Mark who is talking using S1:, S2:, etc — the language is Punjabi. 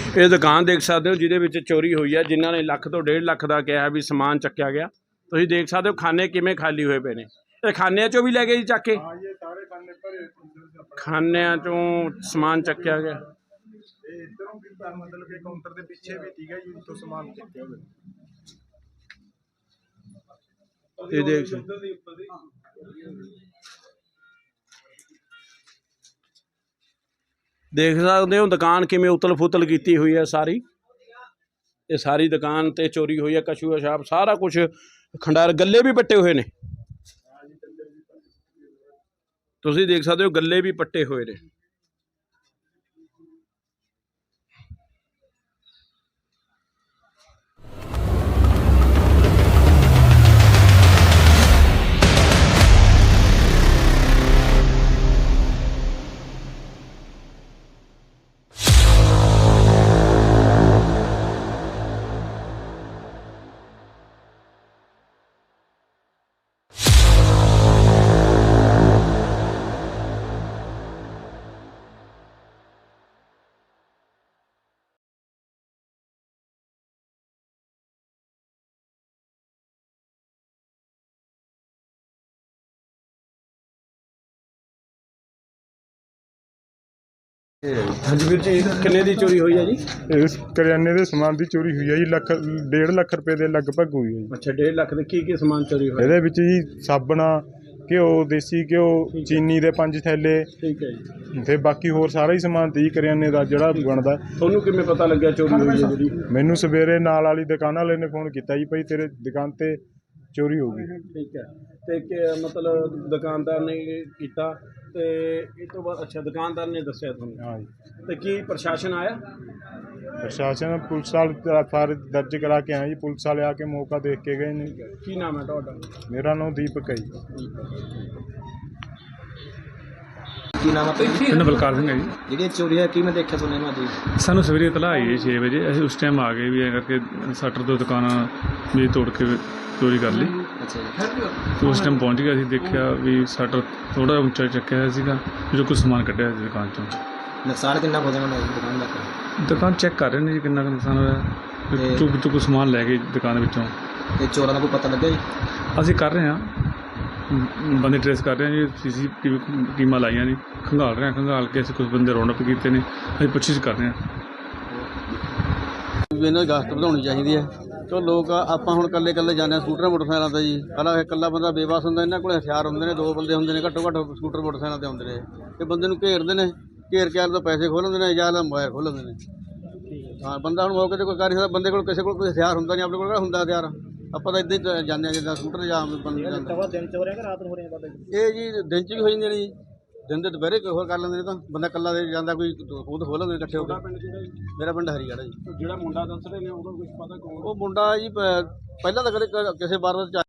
S1: ਇਹ ਦੁਕਾਨ ਦੇਖ ਸਕਦੇ ਹੋ ਜਿਹਦੇ ਵਿੱਚ ਚੋਰੀ ਹੋਈ ਹੈ। ਜਿਨ੍ਹਾਂ ਨੇ ਲੱਖ ਤੋਂ 1.5 ਲੱਖ ਦਾ ਕਿਹਾ ਵੀ ਸਮਾਨ ਚੱਕਿਆ ਗਿਆ। ਤੁਸੀਂ ਦੇਖ ਸਕਦੇ ਹੋ ਖਾਨੇ ਕਿਵੇਂ ਖਾਲੀ ਹੋਏ ਪਏ ਨੇ। ਇਹ ਖਾਨਿਆਂ ਚੋਂ ਵੀ ਲੈ ਗਏ ਜੀ ਚੱਕ ਕੇ। ਖਾਨਿਆਂ ਚੋਂ ਸਮਾਨ ਚੱਕਿਆ ਗਿਆ।
S2: मतलब कि काउंटर के पीछे भी ठीक है जी, तो सामान चुके हुए
S1: ये देख सकते हो दुकान किमें उतल फुतल की हुई है सारी। ये सारी दुकान ते चोरी हुई है। कछू पेशाब सारा कुछ खंडार, गले भी पट्टे हुए ने। तुसीं देख सकते हो गले भी पट्टे हुए ने। हाँ जी वीर जी, किन्ने दी चोरी हुई है जी?
S2: इस करियाने के समान की चोरी हुई है जी। 1.5 ਲੱਖ रुपए के लगभग हुई है जी।
S1: अच्छा 1.5 ਲੱਖ ਦੇ ਕੀ समान चोरी हुआ?
S2: ਇਹਦੇ ਵਿੱਚ ਜੀ ਸਾਬਣ, ਘਿਓ, ਦੇਸੀ ਘਿਓ, ਚੀਨੀ ਦੇ 5 ਥੈਲੇ,
S1: ठीक है जी।
S2: ਤੇ ਬਾਕੀ ਹੋਰ ਸਾਰਾ ਹੀ ਸਮਾਨ ਤੀ ਕਰਿਆਨੇ ਦਾ ਜਿਹੜਾ ਬਣਦਾ।
S1: ਤੁਹਾਨੂੰ ਕਿਵੇਂ ਪਤਾ ਲੱਗਿਆ ਚੋਰੀ ਹੋਈ ਹੈ ਜਿਹੜੀ?
S2: ਮੈਨੂੰ ਸਵੇਰੇ ਨਾਲ ਵਾਲੀ ਦੁਕਾਨ ਵਾਲੇ ਨੇ ਫੋਨ ਕੀਤਾ ਜੀ, ਭਾਈ ਤੇਰੇ ਦੁਕਾਨ ਤੇ ਚੋਰੀ ਹੋ ਗਈ।
S1: ठीक है ਤੇ ਕਿ ਮਤਲਬ ਦੁਕਾਨਦਾਰ ਨੇ ਕੀਤਾ ਤੇ ਇਹ ਤੋਂ ਬਾਅਦ ਅੱਛਾ ਦੁਕਾਨਦਾਰ ਨੇ ਦੱਸਿਆ ਤੁਹਾਨੂੰ?
S2: ਹਾਂ ਜੀ।
S1: ਤੇ ਕੀ ਪ੍ਰਸ਼ਾਸਨ ਆਇਆ?
S2: ਪ੍ਰਸ਼ਾਸਨ ਪੁਲਿਸ ਵਾਲੇ ਫਾਰ ਦਰਜ ਕਰਾ ਕੇ ਆਏ ਜੀ। ਪੁਲਿਸ ਵਾਲੇ ਆ ਕੇ ਮੌਕਾ ਦੇਖ ਕੇ ਗਏ ਨੇ।
S1: ਕੀ ਨਾਮ ਹੈ ਤੁਹਾਡਾ?
S2: ਮੇਰਾ ਨਾਮ ਦੀਪਕ ਹੈ ਜੀ।
S3: ਕੀ ਨਾਮ ਹੈ?
S4: ਪਿੰਡ ਬਲਕਾਰ ਸਿੰਘ ਹੈ ਜੀ।
S3: ਜਿਹੜੀ ਚੋਰੀ ਹੈ ਕੀ ਮੈਂ ਦੇਖਿਆ ਸੁਣਿਆ ਮੈਂ ਜੀ।
S4: ਸਾਨੂੰ ਸਵੇਰੇ ਇਤਲਾਹ ਆਈ 6 ਵਜੇ। ਅਸੀਂ ਉਸ ਟਾਈਮ ਆ ਗਏ ਵੀ ਐਂ ਕਰਕੇ ਸ਼ਟਰ ਤੋਂ ਦੁਕਾਨਾਂ ਵੀ ਤੋੜ ਕੇ ਚੋਰੀ ਕਰ ਲਈ।
S3: ਅੱਛਾ ਜੀ।
S4: ਤੇ ਉਸ ਟਾਈਮ ਪਹੁੰਚ ਗਿਆ। ਅਸੀਂ ਦੇਖਿਆ ਵੀ ਸ਼ਟਰ ਥੋੜ੍ਹਾ ਉੱਚਾ ਚੱਕਿਆ ਹੋਇਆ ਸੀਗਾ, ਜੋ ਕੁਝ ਸਮਾਨ ਕੱਢਿਆ ਸੀ ਦੁਕਾਨ 'ਚੋਂ।
S3: ਨੁਕਸਾਨ ਕਿੰਨਾ ਹੋ ਜਾਣਾ ਦੁਕਾਨ ਦਾ?
S4: ਦੁਕਾਨ ਚੈੱਕ ਕਰ ਰਹੇ ਨੇ ਜੀ ਕਿੰਨਾ ਕੁ ਨੁਕਸਾਨ ਹੋਇਆ। ਚੁੱਕ ਸਮਾਨ ਲੈ ਗਏ ਦੁਕਾਨ ਵਿੱਚੋਂ।
S3: ਤੇ ਚੋਰਾਂ ਦਾ ਕੋਈ ਪਤਾ ਲੱਗਿਆ ਜੀ?
S4: ਅਸੀਂ ਕਰ ਰਹੇ ਹਾਂ, ਬੰਦੇ ਟਰੇਸ ਕਰ ਰਹੇ ਹਾਂ ਜੀ। CCTV ਟੀਮਾਂ ਲਾਈਆਂ ਨੇ, ਖੰਗਾਲ ਰਹੇ ਹਾਂ। ਖੰਗਾਲ ਕੇ ਅਸੀਂ ਕੁਝ ਬੰਦੇ ਰੌਂਡ ਅਪ ਕੀਤੇ ਨੇ। ਅਸੀਂ ਪੁੱਛਿਸ਼ ਕਰ ਰਹੇ ਹਾਂ।
S5: ਇਹਨਾਂ ਦੀ ਗਸ਼ਤ ਵਧਾਉਣੀ ਚਾਹੀਦੀ ਹੈ। ਚਲੋ ਲੋਕ ਆਪਾਂ ਹੁਣ ਇਕੱਲੇ ਜਾਂਦੇ ਹਾਂ ਸਕੂਟਰ ਮੋਟਰਸਾਈਕਲਾਂ 'ਤੇ ਜੀ। ਪਹਿਲਾਂ ਇਕੱਲਾ ਬੰਦਾ ਬੇਵਸ ਹੁੰਦਾ, ਇਹਨਾਂ ਕੋਲ ਹਥਿਆਰ ਹੁੰਦੇ ਨੇ, 2 ਬੰਦੇ ਹੁੰਦੇ ਨੇ ਘੱਟੋ ਘੱਟ ਸਕੂਟਰ ਮੋਟਰਸਾਈਕਲਾਂ 'ਤੇ ਆਉਂਦੇ ਨੇ। ਇਹ ਬੰਦੇ ਨੂੰ ਘੇਰਦੇ ਨੇ, ਘੇਰ ਕੇ ਤੋਂ ਪੈਸੇ ਖੋਹ ਲੈਂਦੇ ਨੇ ਜਾਂ ਮੋਬਾਈਲ ਖੋਹ ਲੈਂਦੇ ਨੇ। ਹਾਂ ਬੰਦਾ ਹੁਣ ਮੌਕੇ 'ਤੇ ਕੋਈ ਕਰ ਨਹੀਂ ਸਕਦਾ। ਬੰਦੇ ਕੋਲ ਕਿਸੇ ਕੋਲ ਕੋਈ ਹਥਿਆਰ ਹੁੰਦਾ ਨਹੀਂ, ਆਪਣੇ ਕੋਲ ਕਿਹੜਾ ਹੁੰਦਾ ਹਥਿਆਰ। ਆਪਾਂ ਤਾਂ ਇੱਦਾਂ ਹੀ ਜਾਂਦੇ ਹਾਂ ਜਿੱਦਾਂ ਸਕੂਟਰ ਜਾਂ ਬੰਦੇ ਜਾਂਦੇ।
S3: ਦਿਨ ਚ ਹੋ ਰਿਹਾ ਕਿ ਰਾਤ ਨੂੰ ਹੋ ਰਿਹਾ?
S5: ਇਹ ਜੀ ਦਿਨ 'ਚ ਵੀ ਹੋ ਜਾਂਦੇ ਨੇ ਜੀ। ਦਿਨ ਦੇ ਦੁਪਹਿਰੇ ਕੋਈ ਹੋਰ ਕਰ ਲੈਂਦੇ ਨੇ। ਤਾਂ ਬੰਦਾ ਇਕੱਲਾ ਦੇ ਜਾਂਦਾ, ਕੋਈ ਉਹ ਤਾਂ ਖੋਹ ਲੈਂਦੇ ਇਕੱਠੇ ਹੋ ਕੇ। ਮੇਰਾ ਪਿੰਡ ਹਰੀਗੜ੍ਹ ਹੈ ਜੀ।
S1: ਜਿਹੜਾ ਮੁੰਡਾ ਦੱਸ ਰਹੇ ਨੇ ਉਹਦਾ ਕੁਝ ਪਤਾ ਕੌਣ?
S5: ਉਹ ਮੁੰਡਾ ਜੀ ਪਹਿਲਾਂ ਤਾਂ ਕਦੇ ਕਿਸੇ ਵਾਰ